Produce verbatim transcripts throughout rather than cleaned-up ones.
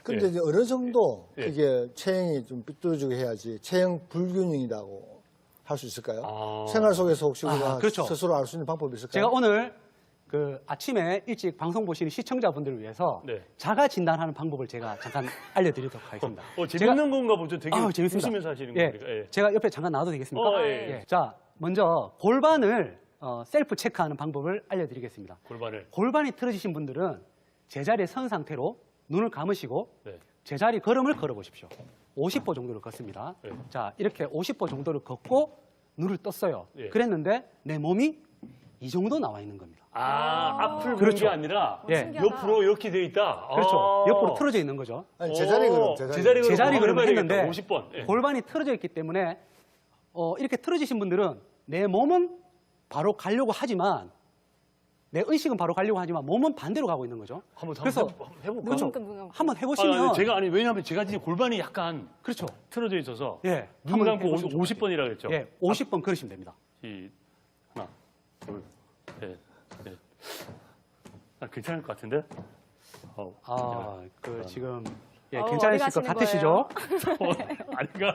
근데 예. 이제 어느 정도 예. 그게 체형이 좀 삐뚤어지고 해야지 체형 불균형이라고 할 수 있을까요? 아. 생활 속에서 혹시 아, 우리가 그렇죠. 스스로 알 수 있는 방법이 있을까요? 제가 오늘 그 아침에 일찍 방송 보시는 시청자분들을 위해서 네. 자가 진단하는 방법을 제가 잠깐 알려드리도록 하겠습니다. 어, 재밌는 건가 보죠. 되게 아, 재밌습니다. 웃으면서 하시는 예, 거니까. 예. 제가 옆에 잠깐 나와도 되겠습니까? 어, 예, 예. 자, 먼저 골반을 어, 셀프 체크하는 방법을 알려드리겠습니다. 골반을. 골반이 틀어지신 분들은 제자리에 선 상태로 눈을 감으시고 네. 제자리 걸음을 걸어보십시오. 오십 보 정도를 걷습니다. 네. 자, 이렇게 오십 보 정도를 걷고 눈을 떴어요. 예. 그랬는데 내 몸이 이 정도 나와 있는 겁니다. 아, 앞을 보는 그렇죠. 게 아니라 예. 신기하다. 옆으로 이렇게 돼 있다. 그렇죠. 아. 옆으로 틀어져 있는 거죠. 아니, 제자리 걸음, 오, 제자리. 제자리 걸음 제자리 한번 걸음을 해봐야겠다. 했는데 오십 번. 예. 골반이 틀어져 있기 때문에 어, 이렇게 틀어지신 분들은 내 몸은 바로 가려고 하지만 내 의식은 바로 가려고 하지만 몸은 반대로 가고 있는 거죠. 한번 그래서 한번 해볼까요? 그렇죠. 그러니까 뭐가- 한번 아, 해보시면 아니, 제가 아니 왜냐하면 제가 지금 골반이 약간 그렇죠. 틀어져 있어서 예, 눈 한번 감고 해보시면 좋을 오십 번이라 그랬죠. 예, 오십 번 걸으시면 됩니다. 이 하나, 둘, 셋, 넷. 아, 괜찮을 것 같은데? 어, 아, 그 지금 예, 어, 괜찮으실 어디 것 가시는 같으시죠? 아닌가?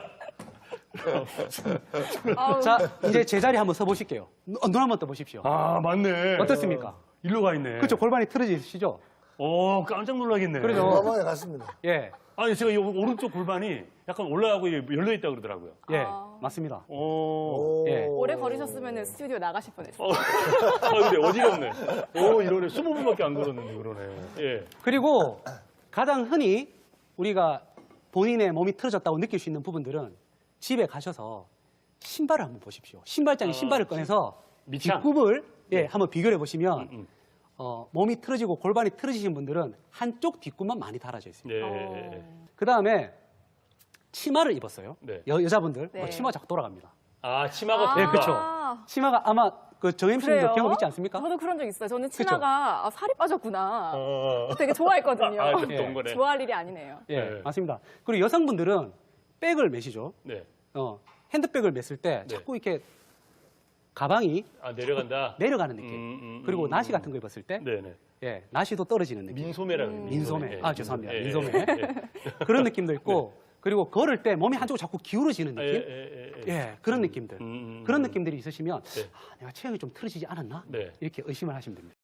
아우, 자, 이제 제자리 한번 서보실게요. 눈, 눈 한번 떠보십시오. 아, 맞네. 어떻습니까? 일로 가 있네. 그렇죠. 골반이 틀어져 있으시죠? 오, 깜짝 놀라겠네. 그러죠. 과감하게 갔습니다. 예, 아니, 제가 이 오른쪽 골반이 약간 올라가고 열려 있다 그러더라고요. 예, 아. 맞습니다. 오. 예. 오래 걸으셨으면 스튜디오 나가실 뻔했어요. 어, 아, 근데 어지럽네. 오, 이러네. 스무 분밖에 안 걸었는데, 그러네. 예. 그리고 가장 흔히 우리가 본인의 몸이 틀어졌다고 느낄 수 있는 부분들은 집에 가셔서 신발을 한번 보십시오. 신발장에 아, 신발을 꺼내서 밑창. 뒷굽을 예, 네. 한번 비교해 보시면 음, 음. 어, 몸이 틀어지고 골반이 틀어지신 분들은 한쪽 뒷굽만 많이 달아져 있습니다. 예. 어. 그 다음에 치마를 입었어요. 네. 여, 여자분들 네. 어, 치마 자꾸 돌아갑니다. 아, 치마가 아. 네, 된다. 그렇죠. 치마가 아마 그 정엠씨님도 그래요? 경험 있지 않습니까? 저도 그런 적 있어요. 저는 치마가 아, 살이 빠졌구나. 어. 되게 좋아했거든요. 아, 좀 예. 돈 거네. 좋아할 일이 아니네요. 예, 네. 맞습니다. 그리고 여성분들은 백을 메시죠. 네. 어, 핸드백을 맸을 때 네. 자꾸 이렇게 가방이 아, 내려간다? 내려가는 느낌. 음, 음, 그리고 음, 나시 음. 같은 거 입었을 때 네네. 예, 나시도 떨어지는 느낌. 민소매라 그래요. 민소매. 예, 아, 죄송합니다. 예, 민소매. 예, 예. 그런 느낌도 있고 그리고 걸을 때 몸이 한쪽으로 자꾸 기울어지는 예, 느낌. 예, 예, 예. 예, 그런 느낌들. 음, 음, 그런 음. 느낌들이 있으시면 네. 아, 내가 체형이 좀 틀어지지 않았나? 네. 이렇게 의심을 하시면 됩니다.